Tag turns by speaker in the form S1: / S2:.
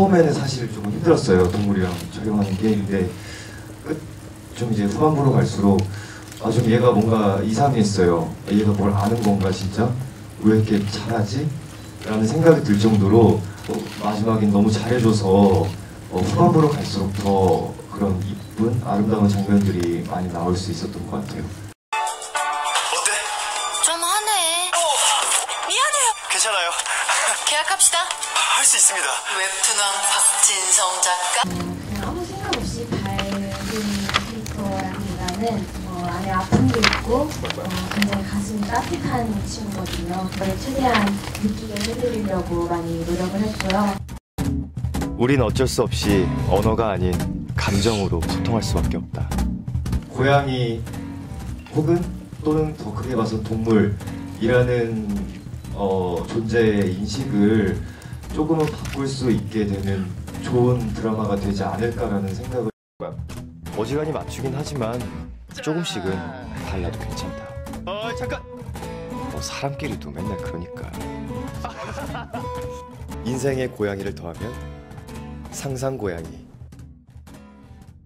S1: 처음에는 사실 조금 힘들었어요. 동물이랑 촬영하는 게. 근데 좀 이제 후반부로 갈수록 좀 얘가 뭔가 이상했어요. 얘가 뭘 아는 건가 진짜? 왜 이렇게 잘하지? 라는 생각이 들 정도로 마지막엔 너무 잘해줘서 후반부로 갈수록 더 그런 이쁜 아름다운 장면들이 많이 나올 수 있었던 것 같아요.
S2: 어때?
S3: 좀 하네.
S2: 미안해요. 괜찮아요.
S3: 계약합시다.
S2: 할 수 있습니다.
S3: 웹툰왕 박진성 작가.
S4: 그냥 아무 생각 없이 밝은 캐릭터라기보다는 안에 아픔도 있고 굉장히 가슴이 따뜻한 친구거든요. 그걸 최대한 느끼게 해드리려고 많이 노력을 했고요.
S5: 우린 어쩔 수 없이 언어가 아닌 감정으로 소통할 수밖에 없다.
S1: 고양이 혹은 또는 더 크게 봐서 동물이라는 존재의 인식을 조금은 바꿀 수 있게 되는 좋은 드라마가 되지 않을까라는 생각을.
S5: 어지간히 맞추긴 하지만 조금씩은 달라도 괜찮다. 잠깐! 사람끼리도 맨날 그러니까. 인생의 고양이를 더하면 상상 고양이.